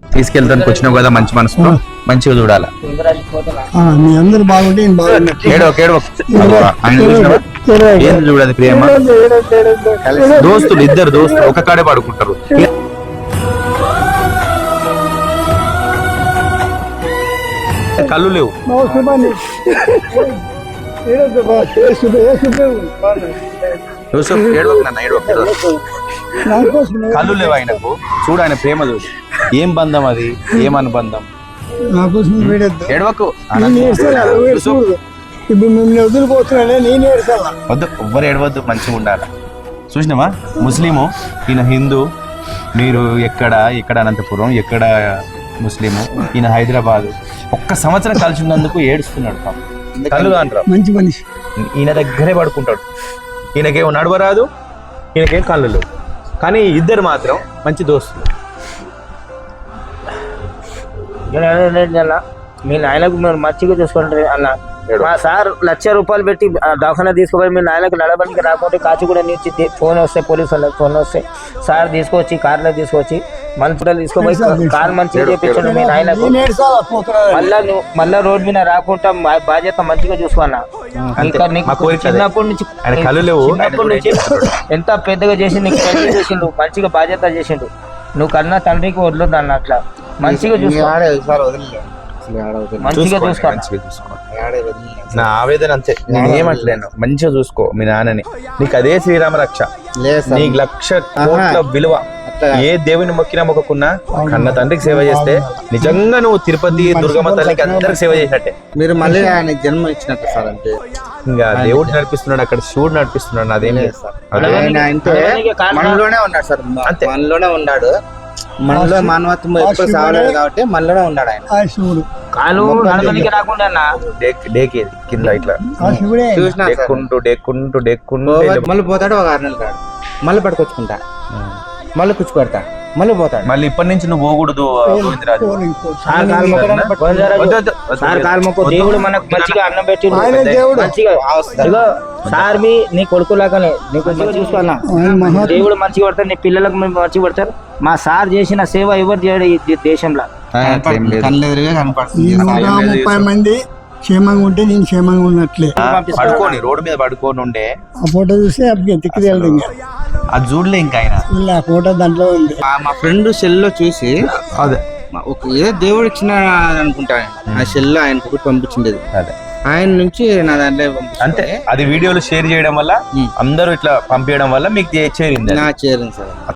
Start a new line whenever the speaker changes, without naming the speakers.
తీసుకెళ్తానికి వచ్చినావు కదా మంచి మనసుతో మంచిగా చూడాలా.
మీ అందరు బాగుంటే
ఆయన చూసినావా ఏంది చూడాలి ప్రియమ్మ. దోస్తులు ఇద్దరు దోస్తులు ఒక కాడే పడుకుంటారు. కళ్ళు లేవు. కళ్ళు లేవు ఆయనకు. చూడు ఆయన ప్రేమ చూడు. ఏం బంధం అది, ఏం అనుబంధం. ఏడవకు వద్దు, ఎవ్వరు ఏడవద్దు, మంచిగా ఉండాలి. చూసినావా ముస్లిము, ఈయన హిందూ. మీరు ఎక్కడ అనంతపురం, ఎక్కడ ముస్లిము, ఈయన హైదరాబాద్. ఒక్క సంవత్సరం కలిసి ఉన్నందుకు ఏడుస్తున్నాడు. కళ్ళు అంటారు
మంచి మనిషి.
ఈయన దగ్గరే పడుకుంటాడు. ఈయనకేం నడవరాదు, ఈయనకేం కళ్ళు లేవు, కానీ ఇద్దరు మాత్రం మంచి దోస్తులు.
మీ నాయనకు మీరు మంచిగా చూసుకుంటారు అన్న. మా సార్ ₹1,00,000 పెట్టి దవాఖానా తీసుకుపోయి మీ నాయనకు నడవడానికి రాకపోతే కాచిగూడ నుంచి ఫోన్ వస్తే పోలీసు వాళ్ళకి ఫోన్ వస్తే సార్ తీసుకొచ్చి కార్లో తీసుకొచ్చి మంచిగా తీసుకుపోయి కార్ మంచిగా చేపించండి మీ నాయనకు. మళ్ళా రోడ్ మీద రాకుండా బాధ్యత మంచిగా చూసుకున్నా. ఇంకా నీకు చిన్నప్పటి నుంచి ఎంత పెద్దగా చేసి నీకు పెళ్లి చేసిండు, మంచిగా బాధ్యత చేసిండు. నువ్వు కన్నా తండ్రికి వదలొద్దు అన్న. అట్లా మంచిగా చూసుకో, మంచిగా చూసుకో.
నా ఆవేదన అంతే, నేనేమంటలేను. మంచిగా చూసుకో మీ నాన్నని. నీకు అదే శ్రీరామ రక్ష. నీకు 1,00,000 విలువ. ఏ దేవుని మొక్కకున్నా కన్న తండ్రికి సేవ చేస్తే నిజంగా నువ్వు తిరుపతి దుర్గమ్మ తల్లికి అందరికి సేవ చేసినట్టే.
మీరు మళ్ళీ ఆయన జన్మ ఇచ్చినట్టు సార్. అంటే
ఇంకా దేవుడు నడిపిస్తున్నాడు, అక్కడ శివుడు నడిపిస్తున్నాడు. నాదేం లేదు సార్.
మనలోనే ఉన్నాడు సార్, అంతే. మనలోనే ఉన్నాడు. మనలో మానవత్వం ఎప్పుడు సాగలేదు కాబట్టి మనలోనే ఉన్నాడు ఆయన.
శివుడు
కాలు నడవడానికి రాకుండా
డేకేది కింద ఇట్లా
చూసినా
డెక్కుంటూ
మళ్ళీ పోతాడు. ఒక 6 నెలలు కాడు, మళ్ళీ పట్టుకొచ్చుకుంటా, మళ్ళీ కూర్చు పెడతా, మళ్ళీ పోతాడు.
మళ్ళీ ఇప్పటి నుంచి నువ్వు పోకూడదు గోవిందరాజు.
సార్ కాలు మొక్కు. దేవుడు మనకు మంచిగా అన్నం పెట్టి మంచిగా సార్ నీ కొడుకులాగానే నీకు మంచిగా చూసుకోవాలా. దేవుడు మంచిగా పడతారు, నీ పిల్లలకు మంచిగా పడతారు. మా సార్ చేసిన సేవ ఎవరు చేయడు ఈ దేశంలో.
130 మంది క్షేమంగా ఉంటే నేను క్షేమంగా ఉన్నట్లే.
పడుకోని రోడ్డు మీద పడుకోని ఉండే
ఆ ఫోటో చూస్తే తిక్కి
అది చూడలే. ఇంకా ఆయన
ఆ ఫోటో దాంట్లో ఉంది.
మా ఫ్రెండ్ సెల్ లో చూసి
అదే
ఏదో దేవుడు ఇచ్చిన అనుకుంటా, ఆ సెల్ ఆయన పంపించిండేది.
అదే
ఆయన నుంచి నా దాంట్లో
అంతే. అది వీడియోలు షేర్ చేయడం వల్ల అందరూ ఇట్లా పంపించడం వల్ల మీకు చేరింది.
చేరింది సార్.